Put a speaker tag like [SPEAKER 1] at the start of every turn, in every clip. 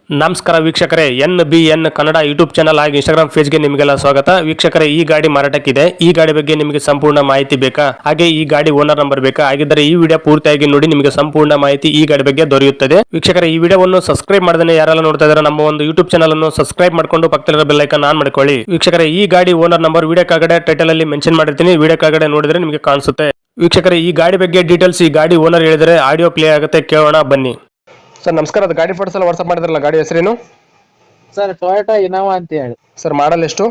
[SPEAKER 1] ನಮಸ್ಕಾರ ವೀಕ್ಷಕರೇ, NBN Kannada YouTube channel ಹಾಗೂ ಇನ್ಸ್ಟಾಗ್ರಾಮ್ ಪೇಜ್ಗೆ ನಿಮಗೆಲ್ಲ ಸ್ವಾಗತ. ವೀಕ್ಷಕರೇ, ಈ ಗಾಡಿ ಮಾರಾಟಕ್ಕಿದೆ. ಈ ಗಾಡಿ ಬಗ್ಗೆ ನಿಮಗೆ ಸಂಪೂರ್ಣ ಮಾಹಿತಿ ಬೇಕಾ? ಹಾಗೆ ಈ ಗಾಡಿ ಓನರ್ ನಂಬರ್ ಬೇಕಾ? ಹಾಗಿದ್ದರೆ ಈ ವಿಡಿಯೋ ಪೂರ್ತಿಯಾಗಿ ನೋಡಿ, ನಿಮಗೆ ಸಂಪೂರ್ಣ ಮಾಹಿತಿ ಈ ಗಾಡಿ ಬಗ್ಗೆ ದೊರೆಯುತ್ತದೆ. ವೀಕ್ಷಕರೇ, ಈ ವಿಡಿಯೋವನ್ನು ಸಬ್ಸ್ಕ್ರೈಬ್ ಮಾಡದೇ ಯಾರೆಲ್ಲ ನೋಡ್ತಾ ಇದ್ದಾರೆ ನಮ್ಮ ಒಂದು ಯೂಟ್ಯೂಬ್ ಚಾನಲ್ ಅನ್ನು ಸಬ್ಸ್ಕ್ರೈಬ್ ಮಾಡ್ಕೊಂಡು ಪಕ್ಕದಲ್ಲಿರೋ ಬೆಲ್ ಐಕಾನ್ ಆನ್ ಮಾಡ್ಕೊಳ್ಳಿ. ವೀಕ್ಷಕರೇ, ಈ ಗಾಡಿ ಓನರ್ ನಂಬರ್ ವಿಡಿಯೋ ಕೆಳಗಡೆ ಟೈಟಲ್ ಅಲ್ಲಿ ಮೆನ್ಷನ್ ಮಾಡಿರ್ತೀನಿ, ವಿಡಿಯೋ ಕೆಳಗಡೆ ನೋಡಿದ್ರೆ ನಿಮಗೆ ಕಾಣಿಸುತ್ತೆ. ವೀಕ್ಷಕರೇ, ಈ ಗಾಡಿ ಬಗ್ಗೆ ಡೀಟೇಲ್ಸ್ ಈ ಗಾಡಿ ಓನರ್ ಹೇಳಿದರೆ ಆಡಿಯೋ ಪ್ಲೇ ಆಗುತ್ತೆ, ಕೇಳೋಣ ಬನ್ನಿ. ಸರ್ ನಮಸ್ಕಾರ, ಅದು ಗಾಡಿ ಫೋಟೋಸ್ ಎಲ್ಲ ವಾಟ್ಸ್ಆಪ್ ಮಾಡಿದ್ರಲ್ಲ, ಗಾಡಿ ಹೆಸರೇನು?
[SPEAKER 2] ಸರ್ ಟೊಯೋಟಾ ಇನೋವಾ ಅಂತ ಹೇಳಿ.
[SPEAKER 1] ಸರ್ ಮಾಡಲ್ ಎಷ್ಟು?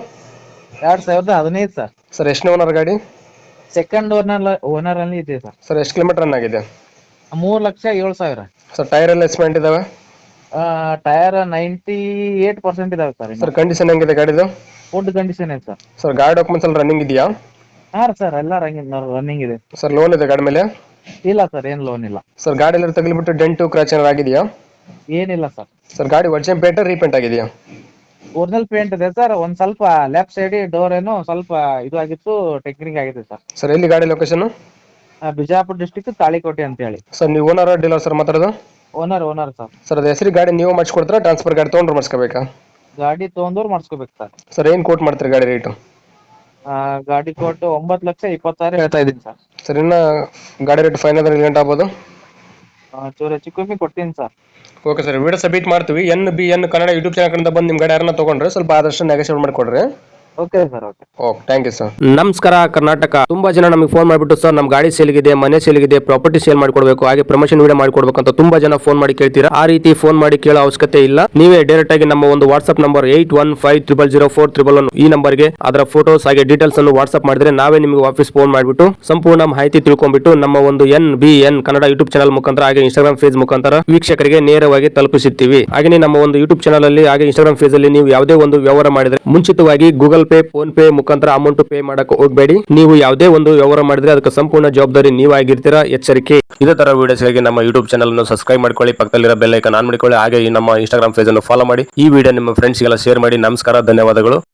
[SPEAKER 2] 2015 ಸರ್.
[SPEAKER 1] ಸರ್ ಎಷ್ಟನೇ ಓನರ್ ಗಾಡಿ?
[SPEAKER 2] ಸೆಕೆಂಡ್ ಓನರ್ ಅಲ್ಲಿ ಇದೆ ಸರ್.
[SPEAKER 1] ಸರ್ ಎಷ್ಟು ಕಿಲೋಮೀಟರ್ ರನ್ ಆಗಿದೆ?
[SPEAKER 2] 3,07,000.
[SPEAKER 1] ಸರ್ ಟೈರ್ ಎಲ್ಲ ಎಸ್ಪೆಂಟ್ ಇದಾವೆ?
[SPEAKER 2] ಟೈರ್ 98% ಇದಾವೆ ಸರ್.
[SPEAKER 1] ಸರ್ ಕಂಡೀಷನ್ ಹೆಂಗಿದೆ ಗಾಡಿದು?
[SPEAKER 2] ಫುಡ್ ಕಂಡೀಷನ್ ಇದೆ ಸರ್.
[SPEAKER 1] ಸರ್ ಗಾಡಿ ಡಾಕ್ಯುಮೆಂಟ್ಸ್ ಎಲ್ಲ ರನ್ನಿಂಗ್ ಇದೆಯಾ?
[SPEAKER 2] ಹಾ ಸರ್, ಎಲ್ಲ ರನ್ನಿಂಗ್ ಇದೆ.
[SPEAKER 1] ಸರ್ ಲೋನ್ ಇದೆ ಗಾಡಿ ಮೇಲೆ?
[SPEAKER 2] ಇಲ್ಲ ಸರ್, ಏನ್ ಲೋನ್ ಇಲ್ಲ.
[SPEAKER 1] ಸರ್ ಗಾಡಿ ಎಲ್ಲ ತಗಲಿಬಿಟ್ಟು ಡೆಂಟು ಕ್ರಾಚ್ ಏನಾರು ಆಗಿದೆಯಾ?
[SPEAKER 2] ಏನಿಲ್ಲ ಸರ್.
[SPEAKER 1] ಸರ್ ಗಾಡಿ ಒರಿಜಿನಲ್ ಪೇಂಟ್ ರೀಪೇಂಟ್ ಆಗಿದೆಯಾ?
[SPEAKER 2] ಒರಿಜಿನಲ್ ಪೇಂಟ್ ಇದೆ ಸರ್. ಒಂದ್ ಸ್ವಲ್ಪ ಲೆಫ್ಟ್ ಸೈಡ್ ಡೋರ್ ಏನೋ ಸ್ವಲ್ಪ ಇದು ಆಗಿತ್ತು, ಟೆಕ್ನಿಕ್ ಆಗಿದೆ ಸರ್.
[SPEAKER 1] ಸರ್ ಎಲ್ಲಿ ಗಾಡಿ ಲೊಕೇಶನ್?
[SPEAKER 2] ಬಿಜಾಪುರ ಡಿಸ್ಟಿಕ್ ತಾಳಿಕೋಟೆ ಅಂತ ಹೇಳಿ.
[SPEAKER 1] ಸರ್ ನೀವು ಓನರ್ ಡೀಲರ್ ಸರ್ ಮಾತಾಡೋದು?
[SPEAKER 2] Owner sir.
[SPEAKER 1] ಸರ್ ಅದು ಹೆಸರು ಗಾಡಿ ನೀವು ಮಾಡಿಸ್ಕೊಡ್ತೀರಾ, ಟ್ರಾನ್ಸ್ಫರ್ ಗಾಡಿ ತೊಗೊಂಡ್ರು ಮಾಡಿಸ್ಕೋಬೇಕಾ?
[SPEAKER 2] ಗಾಡಿ ತಗೊಂಡವ್ರು ಮಾಡಿಸ್ಕೋಬೇಕು ಸರ್.
[SPEAKER 1] ಸರ್ ಏನು ಕೋಟ್ ಮಾಡ್ತೀರಿ ಗಾಡಿ ರೇಟು?
[SPEAKER 2] ಗಾಡಿ ಕೊಟ್ಟು 9,20,000 ಹೇಳ್ತಾ ಇದೀನಿ ಸರ್.
[SPEAKER 1] ಸರ್ ಇನ್ನು ಗಾಡಿ ರೇಟ್ ಫೈನಲ್ ರಿಲೇಟ್ ಆಗ್ಬೋದು?
[SPEAKER 2] ಚೂರು ಹೆಚ್ಚು ಕಮ್ಮಿ ಕೊಡ್ತೀನಿ sir.
[SPEAKER 1] Okay sir, video submit ಮಾಡ್ತೀವಿ. NBN ಕನ್ನಡ ಯೂಟ್ಯೂಬ್ ಚಾನಲ್ ಕಡೆಯಿಂದ ಬಂದು ನಿಮ್ಮ ಗಾಡಿ ಯಾರನ್ನ ತೊಗೊಂಡ್ರೆ ಸ್ವಲ್ಪ ಆದಷ್ಟು ನೆಗೋಷಿಯೇಟ್ ಮಾಡಿಕೊಡ್ರಿ.
[SPEAKER 2] Okay sir.
[SPEAKER 1] Okay, thank you sir.
[SPEAKER 3] ನಮಸ್ಕಾರ ಕರ್ನಾಟಕ. ತುಂಬಾ ಜನ ನಮಗೆ ಫೋನ್ ಮಾಡಿಬಿಟ್ಟು ಸರ್ ನಮ್ಮ ಗಾಡಿ ಸೇಲ್ಗಿದೆ, ಮನೆ ಸೇಲ್ಗಿದೆ, ಪ್ರಾಪರ್ಟಿ ಸೇಲ್ ಮಾಡ್ಕೊಡ್ಬೇಕು, ಹಾಗೆ ಪ್ರಮೋಷನ್ ವಿಡಿಯೋ ಮಾಡ್ಕೊಡ್ಬೇಕು ಅಂತ ತುಂಬಾ ಜನ ಫೋನ್ ಮಾಡಿ ಕೇಳ್ತೀರಾ. ಆ ರೀತಿ ಫೋನ್ ಮಾಡಿ ಕೇಳೋ ಅವಶ್ಯಕತೆ ಇಲ್ಲ. ನೀವೇ ಡೈರೆಕ್ಟ್ ಆಗಿ ನಮ್ಮ ಒಂದು ವಾಟ್ಸ್ಆಪ್ ನಂಬರ್ 81500411 ಈ ನಂಬರ್ಗೆ ಅದರ ಫೋಟೋಸ್ ಹಾಗೆ ಡೀಟೇಲ್ಸ್ ಅನ್ನು ವಾಟ್ಸ್ಆಪ್ ಮಾಡಿದ್ರೆ ನಾವೇ ನಿಮಗೆ ವಾಪಸ್ ಫೋನ್ ಮಾಡಿಬಿಟ್ಟು ಸಂಪೂರ್ಣ ಮಾಹಿತಿ ತಿಳ್ಕೊಂಡ್ಬಿಟ್ಟು ನಮ್ಮ ಒಂದು NBN ಕನ್ನಡ ಯೂಟ್ಯೂಬ್ ಚಾನಲ್ ಮುಖಾಂತರ ಹಾಗೆ ಇನ್ಸ್ಟಾಗ್ರಾಮ್ ಪೇಜ್ ಮುಖಾಂತರ ವೀಕ್ಷಕರಿಗೆ ನೇರವಾಗಿ ತಲುಪಿಸುತ್ತೀವಿ. ಹಾಗೆ ನಮ್ಮ ಒಂದು ಯೂಟ್ಯೂಬ್ ಚಾನಲ್ ಅಲ್ಲಿ ಹಾಗೆ ಇನ್ಸ್ಟಾಗ್ರಾಮ್ ಪೇಜ್ ಅಲ್ಲಿ ನೀವು ಯಾವುದೇ ಒಂದು ವ್ಯವಹಾರ ಮಾಡಿದ್ರೆ ಮುಂಚಿತವಾಗಿ ಗೂಗಲ್ ಪೇ, ಫೋನ್ ಪೇ ಮುಖಾಂತರ ಅಮೌಂಟ್ ಪೇ ಮಾಡಕ್ಕೆ ಹೋಗಬೇಡಿ. ನೀವು ಯಾವುದೇ ಒಂದು ವ್ಯವಹಾರ ಮಾಡಿದ್ರೆ ಅದಕ್ಕೆ ಸಂಪೂರ್ಣ ಜವಾಬ್ದಾರಿ ನೀವಾಗಿರ್ತೀರಾ, ಎಚ್ಚರಿಕೆ. ಇದೇ ತರ ವಿಡಿಯೋಸ್ಗಾಗಿ ನಮ್ಮ ಯೂಟ್ಯೂಬ್ ಚಾನಲ್ ಅನ್ನು ಸಬ್ಸ್ಕ್ರೈಬ್ ಮಾಡ್ಕೊಳ್ಳಿ, ಪಕ್ಕದಲ್ಲಿರೋ ಬೆಲ್ ಐಕಾನ್ ಆನ್ ಮಾಡಿಕೊಳ್ಳಿ, ಹಾಗೆ ನಮ್ಮ ಇನ್ಸ್ಟಾಗ್ರಾಮ್ ಪೇಜ್ ಅನ್ನು ಫಾಲೋ ಮಾಡಿ. ಈ ವಿಡಿಯೋ ನಿಮ್ಮ ಫ್ರೆಂಡ್ಸ್ಗೆಲ್ಲ ಶೇರ್ ಮಾಡಿ. ನಮಸ್ಕಾರ, ಧನ್ಯವಾದಗಳು.